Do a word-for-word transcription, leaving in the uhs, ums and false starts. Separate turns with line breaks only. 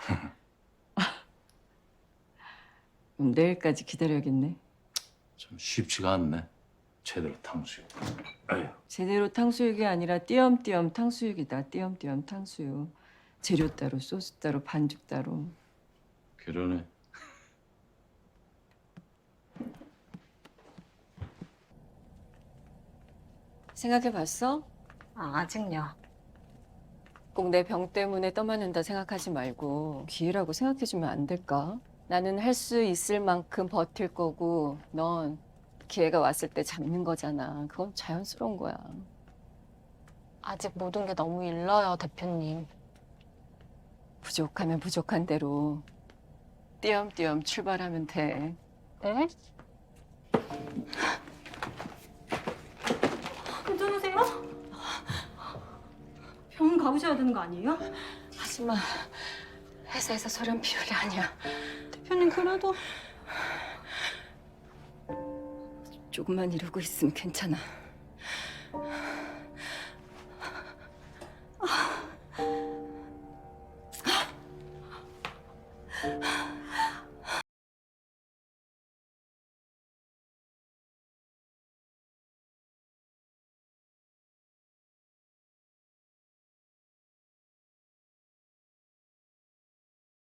그럼 내일까지 기다려야겠네.
참 쉽지가 않네. 제대로 탕수육. 아유.
제대로 탕수육이 아니라 띄엄띄엄 탕수육이다. 띄엄띄엄 탕수육. 재료 따로, 소스 따로, 반죽 따로.
그러네.
생각해봤어?
아, 아직요.
꼭 내 병 때문에 떠맡는다 생각하지 말고 기회라고 생각해주면 안 될까? 나는 할 수 있을 만큼 버틸 거고 넌 기회가 왔을 때 잡는 거잖아. 그건 자연스러운 거야.
아직 모든 게 너무 일러요, 대표님.
부족하면 부족한 대로 띄엄띄엄 출발하면 돼.
네?
괜찮으세요? 병원 가보셔야 되는 거 아니에요?
하지마. 회사에서 소련 피울 게 아니야.
대표님 그래도
조금만 이러고 있으면 괜찮아. 아.